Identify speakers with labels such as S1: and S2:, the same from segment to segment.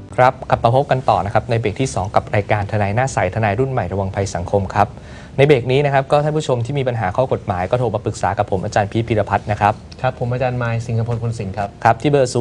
S1: ครับกลับมาพบกันต่อนะครับในเบรกที่ 2 กับรายการทนายหน้าใสทนายรุ่นใหม่ระวังภัยสังคมครับในเบรกนี้นะครับก็ท่านผู้ชมที่มีปัญหาข้อกฎหมายก็โทรมาปรึกษากับผมอาจารย์พีชพีรพัฒน์นะครับ
S2: ครับผมอาจารย์ไมค์สิงห์พลพลสิงห์ครับ
S1: ครับที่เบอร์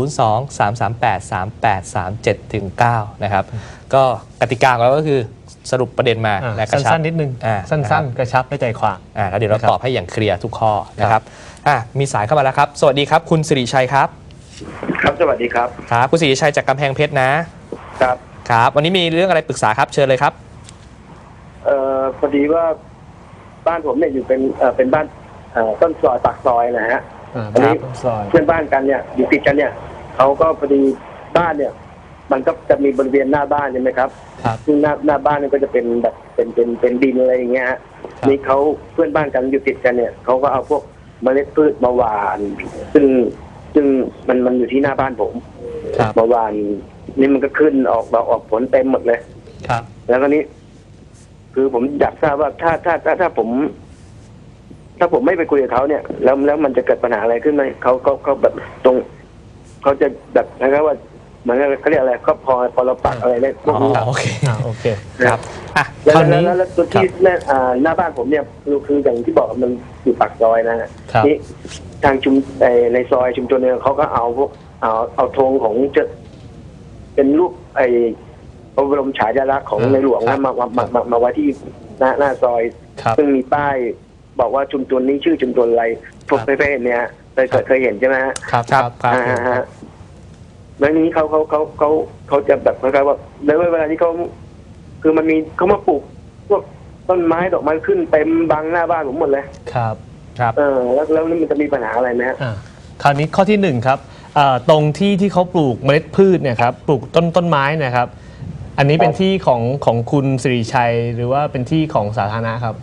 S1: 02-338-3837-9 นะครับก็กติกาของเราก็คือสรุปประเด็นมาและกระชับ
S2: สั้นๆนิดนึงสั้นๆกระชับได้ใจความ
S1: แล้วเดี๋ยวเราตอบให้อย่างเคลียร์ทุกข้อนะครับมีสายเข้ามาแล้วครับสวัสดีครับคุณสิริชัยครับ
S3: ครับสวัสดีครับ
S1: ครับคุณสิริชัยจากกำแพงเพชรนะครับครับวันนี้มีเรื่องอะไรปรึกษาครับเชิญเลยครับ
S3: พอดีว่าบ้านผมเนี่ยอยู่เป็นบ้านต้นซอยปากซอยนะฮะอันนี้เพื่อนบ้านกันเนี่ยอยู่ติดกันเนี่ยเขาก็พอดีบ้านเนี่ยมันก็จะมีบริเวณหน้าบ้านใช่ไหมครับซึ่งหน้าบ้านเนี่ยก็จะเป็นแบบเป็นดินอะไรอย่างเงี้ยฮะนี่เขาเพื่อนบ้านกันอยู่ติดกันเนี่ยเขาก็เอาพวกเมล็ดพืชมาหว่านซึ่งมันอยู่ที่หน้าบ้านผมมาหว่านนี่มันก็ขึ้นออกผลเต็มหมดเลย
S2: ครับ
S3: แล้วก็นี้คือผมอยากทราบว่าถ้าผมไม่ไปคุยกับเขาเนี่ยแล้วมันจะเกิดปัญหาอะไรขึ้นไหมเขาแบบตรงเขาจะแบบนะครับว่าเหมือนเขาเรียกอะไรก็พอเราปักอะไรได้พวกนี้
S1: โอเคครับ
S3: แล้วตัวที่หน้าบ้านผมเนี่ยคืออย่างที่บอกมันอยู่ปากซอยนะฮะนี่ทางในซอยชุมชนเนี่ยเขาก็เอาพวกเอาธงของจะเป็นรูปพระบรมฉายาลักษณ์ของในหลวงมาไว้ที่หน้าซอยซึ่งมีป้ายบอกว่าชุมชนนี้ชื่อชุมชนอะไรพวกเพื่อนเนี่ยเคยเห็นใช่ไหมฮะ
S1: ครับ
S3: แล้วนี้เขาจะแบบคล้ายๆว่าในเวลาที่เขาคือมันมีเขามาปลูกพวกต้นไม้ดอกไม้ขึ้นเต็มบังหน้าบ้านผมหมดเลย
S2: ครับ
S3: แล้วนี่มันจะมีปัญหาอะไรไหมฮะ
S2: คราวนี้ข้อที่1ครับตรงที่เขาปลูกเมล็ดพืชเนี่ยครับปลูกต้นไม้นะครับอันนี้เป็นที่ของคุณสิริชัยหรือว่าเป็นที่ของสาธารณะครับ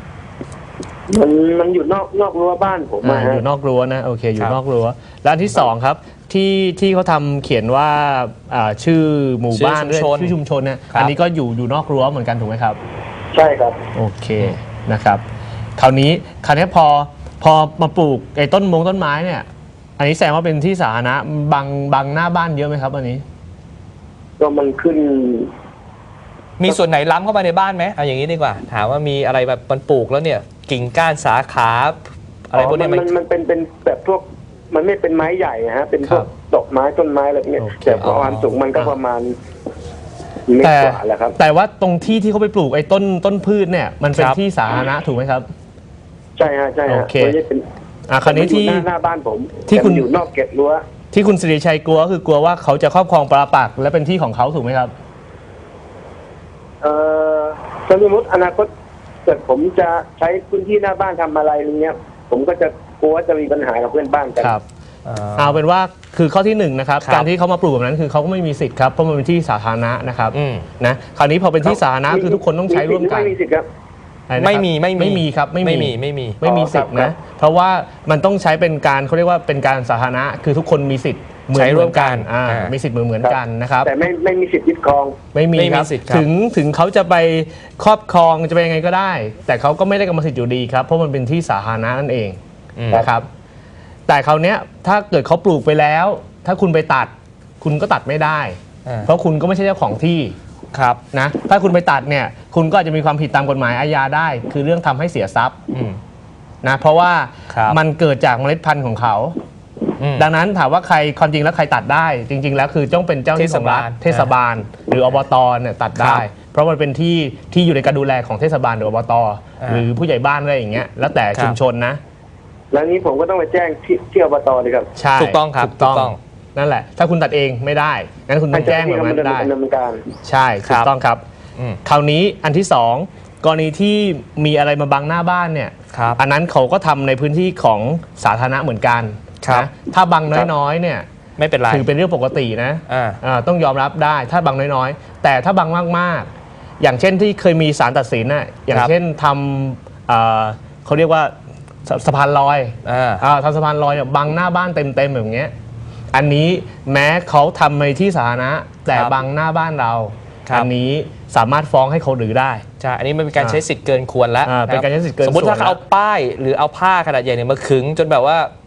S3: มันอยู่นอกรั้วบ้านผม
S2: อยู่นอกรั้วนะโอเคอยู่นอกรั้วแล้วอันที่2ครับที่เขาทำเขียนว่าชื่อหมู่บ้านด้วยชื่อชุมชนเนี่ยอันนี้ก็อยู่นอกรั้วเหมือนกันถูกไหมครับ
S3: ใช่ครับ
S2: โอเคนะครับคราวนี้พอมาปลูกไอ้ต้นไม้เนี่ยอันนี้แสดงว่าเป็นที่สาธารณะบังหน้าบ้านเยอะไหมครับอันนี้
S3: ก็มันขึ้น
S1: มีส่วนไหนล้ำเข้ามาในบ้านไหมเอาอย่างนี้ดีกว่าถามว่ามีอะไรแบบมันปลูกแล้วเนี่ยกิ่งก้านสาขาอะไรพวกนี้
S3: มันเป็นแบบพวกมันไม่เป็นไม้ใหญ่ฮะเป็นพวกดอกไม้ต้นไม้อะไรเงี้ยแต่ความสูงมันก็ประมาณเมตรกว่าแหละครับ
S2: แต่ว่าตรงที่เขาไปปลูกไอ้ต้นพืชเนี่ยมันเป็นที่สาธารณะถูกไหมครับ
S3: ใช่ฮะโอเค
S2: คราวนี้ที่
S3: หน้าบ้านผมที่คุณอยู่นอกเกตรั้ว
S2: ที่คุณสิริชัยกลัวคือกลัวว่าเขาจะครอบครองปราปักษ์และเป็นที่ของเขาถูกไหมครับ
S3: สมมติอนาคตเกิดผมจะใช้พื้นที่หน้าบ้านทำอะไรอย่างเงี้ยผมก็จะกลัวจะมีปัญหากับเพื่อนบ้านกัน
S2: ครับเอาเป็นว่าคือข้อที่1นะครับการที่เขามาปลูกแบบนั้นคือเขาก็ไม่มีสิทธิ์ครับเพราะมันเป็นที่สาธารณะนะครับนะคราวนี้พอเป็นที่สาธารณะคือทุกคนต้องใช้ร่วมกัน
S3: ไม่มีสิทธิ์ครับ
S2: ไม่มีครับไม่มีสิทธิ์นะเพราะว่ามันต้องใช้เป็นการเขาเรียกว่าเป็นการสาธารณะคือทุกคนมีสิทธิ์
S1: ใช้ร่วมกัน
S2: มีสิทธิ์เหมือนกันนะครับ
S3: แต่ไม่มีสิทธิ์ยึดครอง
S2: ไม่มีครับถึงเขาจะไปครอบครองจะไปยังไงก็ได้แต่เขาก็ไม่ได้กรรมสิทธิ์อยู่ดีครับเพราะมันเป็นที่สาธารณะนั่นเองนะครับแต่คราวนี้ถ้าเกิดเขาปลูกไปแล้วถ้าคุณไปตัดคุณก็ตัดไม่ได้เพราะคุณก็ไม่ใช่เจ้าของที่
S1: ครับ
S2: นะถ้าคุณไปตัดเนี่ยคุณก็อาจจะมีความผิดตามกฎหมายอาญาได้คือเรื่องทำให้เสียทรัพย์นะเพราะว่ามันเกิดจากเมล็ดพันธุ์ของเขาดังนั้นถามว่าใครความจริงแล้วใครตัดได้จริงๆแล้วคือต้องเป็นเจ้าหน้าที่ของรัฐเทศบาลหรืออบตเนี่ยตัดได้เพราะมันเป็นที่อยู่ในการดูแลของเทศบาลหรืออบตหรือผู้ใหญ่บ้านอะไรอย่างเงี้ยแล้วแต่ชุมชนนะ
S3: แล้วนี้ผมก็ต้องไปแจ้งที่อบตเลยครับ
S2: ใช่
S1: ถูกต้องครับถูกต้อง
S2: นั่นแหละถ้าคุณตัดเองไม่ได้งั้นคุณต้องแจ้งแบบนั้นได้ใช่ถูกต้องครับคราวนี้อันที่2กรณีที่มีอะไรมาบังหน้าบ้านเนี่ยอันนั้นเขาก็ทำในพื้นที่ของสาธารณะเหมือนกันนะถ้าบังน้อยๆเนี่ย
S1: ไม่เป็นไร
S2: ถือเป็นเรื่องปกตินะต้องยอมรับได้ถ้าบังน้อยๆแต่ถ้าบังมากๆอย่างเช่นที่เคยมีศาลตัดสินน่ะอย่างเช่นทำเขาเรียกว่าสะพานลอยทำสะพานลอยบังหน้าบ้านเต็มๆแบบนี้อันนี้แม้เขาทำในที่สาธารณะแต่บังหน้าบ้านเราอันนี้สามารถฟ้องให้เขารื้อได้
S1: ใช่อันนี้มันเป็นการใช้สิทธิ์เกินควรแล้ว
S2: เป็นการใช้สิทธิ์เกิน
S1: สมมติถ้าเขาเอาป้ายหรือเอาผ้าขนาดใหญ่เนี่ยมาขึงจนแบบว่า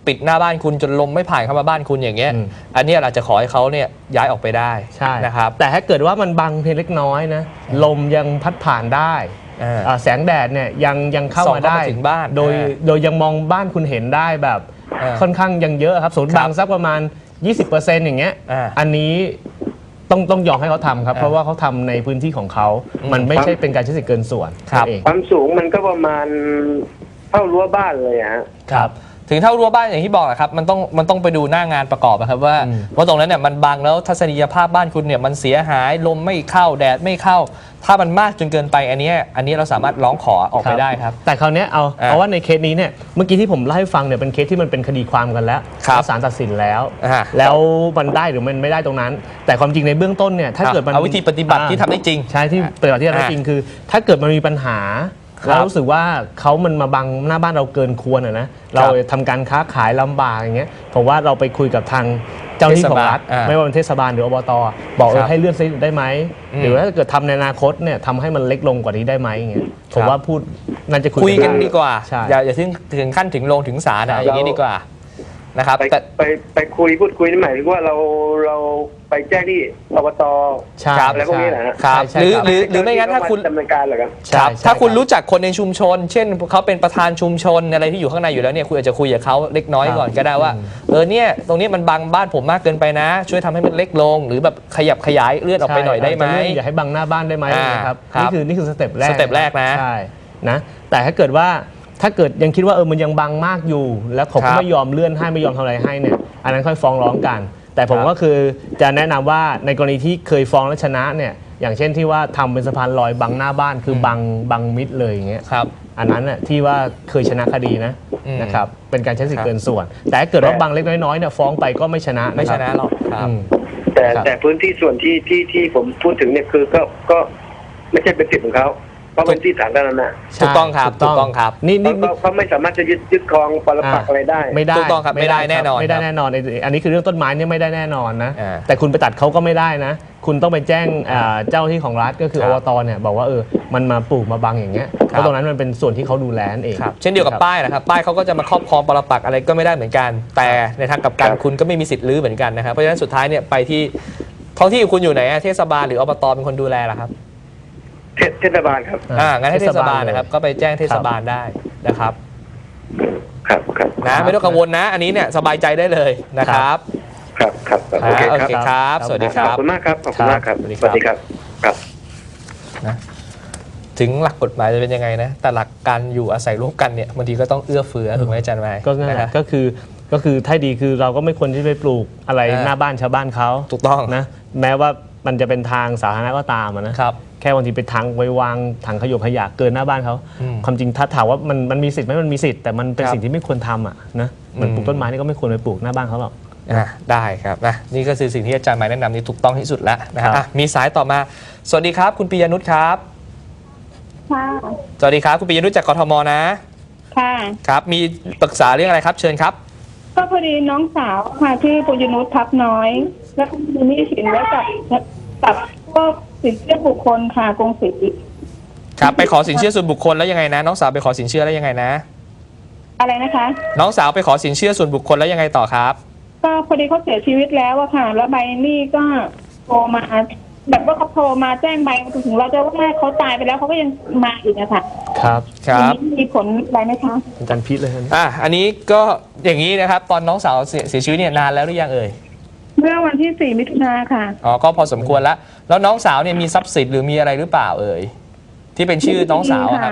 S1: ปิดหน้าบ้านคุณจนลมไม่ผ่านเข้ามาบ้านคุณอย่างเงี้ยอันนี้เราจะขอให้เขาเนี่ยย้ายออกไปได้
S2: ใช่
S1: นะครับ
S2: แต่ถ้าเกิดว่ามันบังเพียงเล็กน้อยนะลมยังพัดผ่านได้แสงแดดเนี่ยยังเข้ามาได้
S1: ถึงบ้าน
S2: โดยยังมองบ้านคุณเห็นได้แบบค่อนข้างยังเยอะครับสมมติบางสักประมาณ 20%อย่างเงี้ยอันนี้ต้องยอมให้เขาทำครับเพราะว่าเขาทำในพื้นที่ของเขามันไม่ใช่เป็นการใช้สิทธิ์เกินส่วนเอง
S3: ความสูงมันก็ประมาณเท่ารั้วบ้านเลยฮะ
S1: ครับถึงเท่ารั้วบ้านอย่างที่บอกนะครับมันต้องไปดูหน้างานประกอบนะครับว่าตรงนั้นเนี่ยมันบังแล้วทัศนียภาพบ้านคุณเนี่ยมันเสียหายลมไม่เข้าแดดไม่เข้าถ้ามันมากจนเกินไปอันนี้เราสามารถร้องขอออกไปได้ครับ
S2: แต่คราวนี้เอาว่าในเคสนี้เนี่ยเมื่อกี้ที่ผมเล่าให้ฟังเนี่ยเป็นเคสที่มันเป็นคดีความกันแล้วศาลตัดสินแล้วมันได้หรือมันไม่ได้ตรงนั้นแต่ความจริงในเบื้องต้นเนี่ยถ้าเกิดมัน
S1: เอาวิธีปฏิบัติที่ทำได้จริง
S2: ใช่ที่ปฏิบัติที่ทำได้จริงคือถ้าเกิดมันมีปัญหาเรารู้สึกว่ามันมาบังหน้าบ้านเราเกินควรนะเราทำการค้าขายลำบากอย่างเงี้ยผมว่าเราไปคุยกับทางเจ้าหน้าที่ของรัฐไม่ว่าเป็นเทศบาลหรืออบตบอกให้เลื่อนซีได้ไหมหรือว่าถ้าเกิดทำในอนาคตเนี่ยทำให้มันเล็กลงกว่านี้ได้ไหมอย่างเงี้ยผมว่าพูดน่าจะคุย
S1: กันดีกว่าอย่าถึงขั้นถึงลงถึงศาลอย่างนี้ดีกว่านะครับ
S3: ไปคุยพูดคุยนี่หมายถึงว่าเราไปแจ้งที่อบตอะไรพวกนี้นะครับ
S1: หรือไม่งั้นถ้าคุณ
S3: ดำเนินการเหรอครับ
S1: ถ้าคุณรู้จักคนในชุมชน เช่นเขาเป็นประธานชุมชนอะไรที่อยู่ข้างในอยู่แล้วเนี่ยคุณอาจจะคุยกับเขาเล็กน้อยก่อนก็ได้ว่าเนี่ยตรงนี้มันบังบ้านผมมากเกินไปนะช่วยทำให้มันเล็กลงหรือแบบขยับขยายเลื่อนออกไปหน่อยได้ไหม
S2: อย่าให้บังหน้าบ้านได้ไหมนะครับนี่คือสเต็ปแรก
S1: นะ
S2: ใช่นะแต่ถ้าเกิดยังคิดว่ามันยังบังมากอยู่แล้วผมก็ไม่ยอมเลื่อนให้ไม่ยอมทำอะไรให้เนี่ยอันนั้นค่อยฟ้องร้องกันแต่ผมก็คือจะแนะนำว่าในกรณีที่เคยฟ้องและชนะเนี่ยอย่างเช่นที่ว่าทำเป็นสะพานลอยบังหน้าบ้านคือบังมิดเลยอย่างเงี้ยอันนั้นน่ะที่ว่าเคยชนะคดีนะครับเป็นการใช้สิทธิ์เกินส่วนแต่ถ้าเกิดว่าบังเล็กน้อยเนี่ยฟ้องไปก็ไม่ชนะ
S1: ไม่ชนะหรอก
S3: แต่พื้นที่ส่วนที่ผมพูดถึงเนี่ยคือก็ไม่ใช่เป็นสิทธิ์ของเขาเพราะเป็นที่สาธารณะ
S1: ถูกต้องครับ
S3: นี่เขาไม่สามารถจะยึดครองปรปักษ์อะไรได้
S2: ไม่ได้
S1: ถูกต้องครับไม่ได้แน่นอน
S2: อันนี้คือเรื่องต้นไม้เนี่ยไม่ได้แน่นอนนะแต่คุณไปตัดเขาก็ไม่ได้นะคุณต้องไปแจ้งเจ้าที่ของรัฐก็คืออบตเนี่ยบอกว่ามันมาปลูกมาบังอย่างเงี้ยเพราะตรงนั้นมันเป็นส่วนที่เขาดูแลนั่นเอง
S1: เช่นเดียวกับป้ายนะครับป้ายเขาก็จะมาครอบครองปรปักษ์อะไรก็ไม่ได้เหมือนกันแต่ในทางกลับกันคุณก็ไม่มีสิทธิ์รื้อเหมือนกันนะครับเพราะฉะนั้นสุดท้ายเนี่ยไปที่ท้องที่คุณอยู่ไหนเทศบาลหรืออบตเป็นคนดูแลล่ะครับ
S3: เทศบาลครับ
S1: งั้นให้เทศบาลนะครับก็ไปแจ้งเทศบาลได้นะครับ
S3: ครับ
S1: นะไม่ต้องกังวลนะอันนี้เนี่ยสบายใจได้เลยนะครับ
S3: ครับ
S1: โอเคครับสวัสดีครับ
S3: ขอบคุณมากครับขอบคุณมากครับสวัสดีครับ
S1: นะถึงหลักกฎหมายจะเป็นยังไงนะแต่หลักการอยู่อาศัยร่วมกันเนี่ยบางทีก็ต้องเอื้อเฟื้อถูกไหมอาจารย์ไมค์
S2: ก็คือถ้าดีคือเราก็ไม่ควรที่ไปปลูกอะไรหน้าบ้านชาวบ้านเขา
S1: ถูกต้อง
S2: นะแม้ว่ามันจะเป็นทางสาธารณะก็ตามนะครับแค่บางทีไปทางไว้วางถังขยะขยะเกินหน้าบ้านเขาความจริงถ้าถามว่ามันมีสิทธิ์ไหมมันมีสิทธิ์แต่มันเป็นสิ่งที่ไม่ควรทำนะมันปลูกต้นไม้นี่ก็ไม่ควรไปปลูกหน้าบ้านเขาหรอก
S1: ได้ครับนะนี่ก็คือสิ่งที่อาจารย์หมายแนะนำนี่ถูกต้องที่สุดแล้วนะครับมีสายต่อมาสวัสดีครับคุณปิยนุชครับ
S4: ค่ะ
S1: สวัสดีครับคุณปิยนุชจากกทมนะ
S4: ค่ะ
S1: ครับมีปรึกษาเรื่องอะไรครับเชิญครับ
S4: ก็พอดีน้องสาวค่ะชื่อปิยนุชทับน้อยแล้วมีหนี้สินไว้กับพวกสินเชื่อบุคคลค่ะกรุงศรี
S1: ครับไปขอสินเชื่อส่วนบุคคลแล้วยังไงนะน้องสาวไปขอสินเชื่อแล้วยังไงนะ
S4: อะไรนะคะ
S1: น้องสาวไปขอสินเชื่อส่วนบุคคลแล้วยังไงต่อครับ
S4: ก็พอดีเขาเสียชีวิตแล้วอะค่ะแล้วใบหนี้ก็โทรมาแบบว่าเขาโทรมาแจ้งใบถึงเราจะว่าเขาตายไปแล้วเขาก็ยังมาอีกนะคะ
S2: ครับ
S4: มีผลอะไรไหมคะ
S2: อาจารย์พิษเลย
S1: อันนี้ก็อย่างนี้นะครับตอนน้องสาวเสียชีวิตเนี่ยนานแล้วหรือยังเอ่ย
S4: เมื่อวันที่4 มิถุนายนค่ะ
S1: ก็พอสมควรแล้วน้องสาวเนี่ยมีทรัพย์สินหรือมีอะไรหรือเปล่าเอ่ยที่เป็นชื่อน้องสาวครับ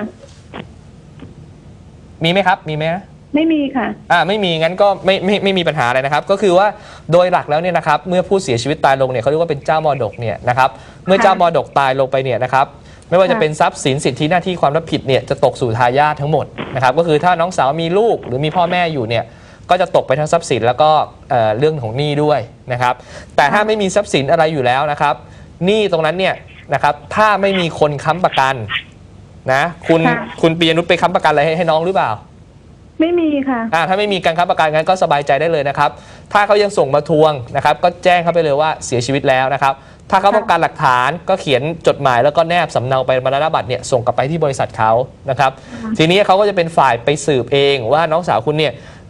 S1: มีไหมครับมีไหม
S4: ไม่มีค่ะ
S1: ไม่มีงั้นก็ไม่มีปัญหาอะไรนะครับก็คือว่าโดยหลักแล้วเนี่ยนะครับเมื่อผู้เสียชีวิตตายลงเนี่ยเขาเรียกว่าเป็นเจ้ามรดกเนี่ยนะครับเมื่อเจ้ามรดกตายลงไปเนี่ยนะครับไม่ว่าจะเป็นทรัพย์สินสิทธิหน้าที่ความรับผิดเนี่ยจะตกสู่ทายาททั้งหมดนะครับก็คือถ้าน้องสาวมีลูกหรือมีพ่อแม่อยู่เนี่ยก็จะตกไปทั้งทรัพย์สินแล้วก็เรื่องของหนี้ด้วยนะครับแต่ถ้าไม่มีทรัพย์สินอะไรอยู่แล้วนะครับหนี้ตรงนั้นเนี่ยนะครับถ้าไม่มีคนค้ำประกันนะคุณปิยนุชไปค้ำประกันอะไรให้น้องหรือเปล่า
S4: ไม่มีค่ะ
S1: ถ้าไม่มีการค้ำประกันงั้นก็สบายใจได้เลยนะครับถ้าเขายังส่งมาทวงนะครับก็แจ้งเขาไปเลยว่าเสียชีวิตแล้วนะครับถ้าเขาต้องการหลักฐานก็เขียนจดหมายแล้วก็แนบสำเนาไปมรณบัตรเนี่ยส่งกลับไปที่บริษัทเขานะครับทีนี้เขาก็จะเป็นฝ่ายไปสืบเองว่าน้องสาวคุณเนี่ย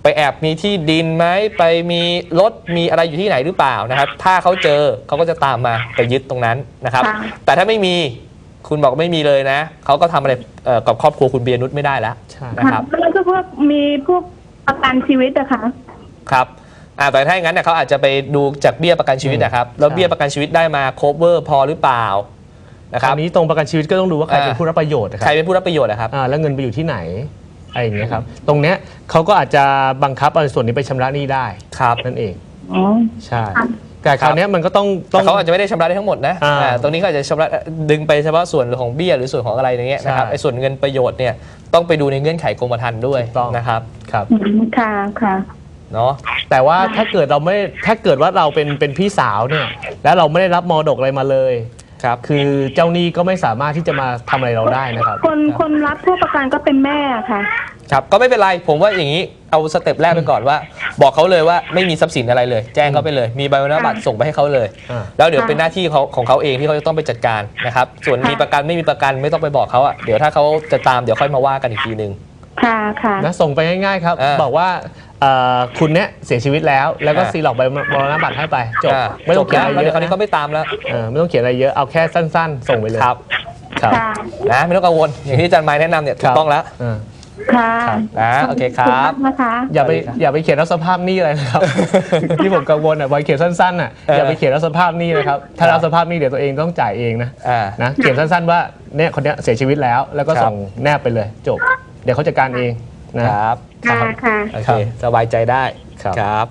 S1: ไปแอบมีที่ดินไหมไปมีรถมีอะไรอยู่ที่ไหนหรือเปล่านะครับถ้าเขาเจอเขาก็จะตามมาไปยึดตรงนั้นนะครับ
S4: ค่ะ
S1: แต่ถ้าไม่มีคุณบอกไม่มีเลยนะเขาก็ทำอะไรกับครอบครัวคุณปียนุชไม่ได้แล้ว
S2: ใช่
S1: นะครับ
S4: แล้วก็พวกมีพวกประกันชีวิตอะค่ะ
S1: ครับแต่ถ้าอย่างนั้นเนี่ยเขาอาจจะไปดูจากเบี้ยประกันชีวิตนะครับแล้วเบี้ยประกันชีวิตได้มา cover พอหรือเปล่านะค
S2: ค
S1: รั
S2: รา
S1: บ
S2: วนี้ตรงประกันชีวิตก็ต้องดูว่าใครเป็นผู้รับประโยชน์นะค
S1: ใคร
S2: รับ
S1: เป็นผู้รับประโยชน์นะครับ
S2: แล้วเงินไปอยู่ที่ไหนอะไรอย่างเงี้ยครับตรงเนี้ยเขาก็อาจจะบังคับเอาส่วนนี้ไปชำระหนี้ได้
S1: ครับ
S2: นั่นเอง
S4: อ๋อ
S2: ใช่แต่คราวเนี้ยมันก็ต้อง
S1: แต่เขาอาจจะไม่ได้ชำระได้ทั้งหมดนะ ตรงนี้ก็อาจจะชำระดึงไปเฉพาะส่วนของเบี้ยหรือส่วนของอะไรอย่างเงี้ยนะครับ
S2: ใช่
S1: ไอ้ส่วนเงินประโยชน์เนี่ยต้องไปดูในเงื่อนไขกรมธรรม์ด้วย
S2: ถูกต้อง
S1: นะครับ
S2: ครับ
S4: ค่ะค่ะ
S1: เนาะ
S2: แต่ว่าถ้าเกิดว่าเราเป็นพี่สาวเนี่ยแล้วเราไม่ได้รับมรดกอะไรมาเลย
S1: ครับ
S2: คือเจ้าหนี้ก็ไม่สามารถที่จะมาทำอะไรเราได้นะครับ
S4: คนรับผู้ประกันก็เป็นแม่ค่ะ
S1: ครับก็ไม่เป็นไรผมว่าอย่างนี้เอาสเต็ปแรกไปก่อนว่า บอกเขาเลยว่าไม่มีทรัพย์สินอะไรเลย แจ้งเขาไปเลยมีใบอนุญาตบัตรส่งไปให้เขาเลย
S2: อ่า
S1: แล้วเดี๋ยวเป็นหน้าที่ของเขาเองที่เขาจะต้องไปจัดการนะครับส่วนมีประกันไม่มีประกันไม่ต้องไปบอกเขาอ่ะเดี๋ยวถ้าเขาจะตามเดี๋ยวค่อยมาว่ากันอีกทีนึง
S4: ค่ะค่ะ
S2: นะส่งไปง่ายๆครับ
S1: อ่า
S2: บอกว่าคุณเนี่ยเสียชีวิตแล้วก็ซีล็อกใบมรณบัตรให้ไปจบไม่ต้องเขียนอะไร
S1: แล้ว
S2: เย
S1: เดี๋ยว
S2: อะ
S1: คราวนี้เขาไม่ตามแล้ว
S2: ไม่ต้องเขียนอะไรเยอะเอาแค่สั้นๆ ส่งไปเลย
S1: ครับ
S2: ครับ
S4: ค่ะ
S1: นะไม่ต้องกังวลอย่างที่อาจารย์ไม้แนะนำเนี่ยถูกต้องแล้ว
S2: อ่า
S4: ค่ะ
S1: นะโอเคครับ
S4: ขอณมากนะคะ
S2: อย่าไปเขียนรับสภาพหนี้อะไรนะครับ ที่ผมกังวลอ่ะไว้เขียนสั้นๆอ่ะอย่าไปเขียนรับสภาพหนี้นะครับถ้ารับสภาพหนี้เดี๋ยวตัวเองต้องจ่ายเองนะ นะเขียนสั้นๆว่าเนี่ยคนเนี้ยเสียชีวิตแล้วแล้วก็
S1: ครับ
S2: ส่งแนบไปเลยจบ เดี๋ยวเขาจัดการเองนะครับ
S4: ค่ะค่ะ
S1: โอเคสบายใจได้
S2: ครับ
S1: ครับ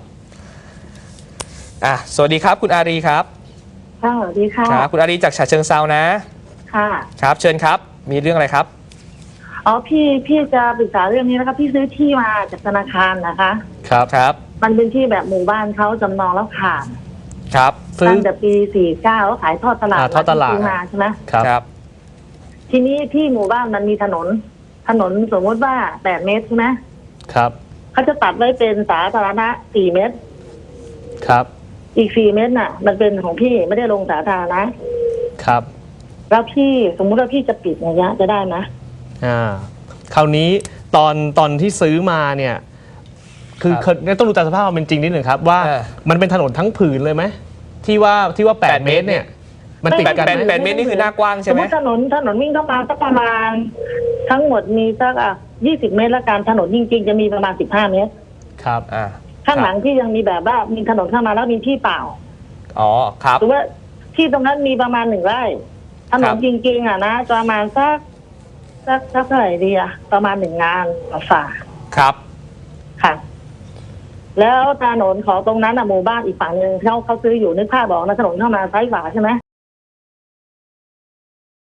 S1: สวัสดีครับคุณอารีครับ
S5: ค่ะสวัสดีค่ะ
S1: ครับคุณอารีจากฉะเชิงเซานะ
S5: ค่ะ
S1: ครับเชิญครับมีเรื่องอะไรครับ
S5: อ๋อพี่จะปรึกษาเรื่องนี้นะคะพี่ซื้อที่มาจากธนาคารนะคะ
S1: ครับครับ
S5: มันเป็นที่แบบหมู่บ้านเขาจำนองแล้วขาด
S1: ครับ
S2: ซื้อ
S5: ตั้งแต่ปี 49เขาขายทอดตลาด
S2: ทอดตลาด
S5: ซื้อมาใช่ไหม
S2: ครับ
S1: ครับ
S5: ทีนี้ที่หมู่บ้านมันมีถนนสมมติว่า8 เมตรใช่ไหม
S2: ครับ
S5: เขาจะตัดไว้เป็นสาธารณะ4 เมตร
S2: ครับ
S5: อีก4 เมตรน่ะ มันเป็นของพี่ไม่ได้ลงสาธารณะ
S2: ครับ
S5: แล้วพี่สมมุติว่าพี่จะปิดอย่างเงี้ยจะได้ไหม
S2: คราวนี้ตอนที่ซื้อมาเนี่ยคือต้องดูตามสภาพความเป็นจริงนิดหนึ่งครับว่ามันเป็นถนนทั้งผืนเลยไหมที่ว่า8 เมตรเนี่ยมันติดกันไหม
S1: 8 เมตรนี่คือหน้ากว้าง
S5: ส
S1: ใช่
S5: ม
S1: ไห
S5: ม
S1: ม
S5: ติถนนวิ่งเข้ามาสักประมาณ ทั้งหมดมีสัก20 เมตรละกันถนนจริงๆจะมีประมาณ15 เมตร
S2: ครับ
S5: ข้างหลังที่ยังมีแบบว่ามีถนนเข้ามาแล้วมีที่เปล่า
S1: อ๋อครับ
S5: หรือว่าที่ตรงนั้นมีประมาณ1 ไร่ถนนจริงๆนะประมาณสักเท่าไหร่ดีประมาณ1 งานฝ่า
S1: ครับ
S5: ค่ะ แล้วถนนของตรงนั้นหมู่บ้านอีกฝั่งหนึ่งเขาซื้ออยู่นึกภาพบอกนะถนนเข้ามาซ้ายขวาใช่ไหม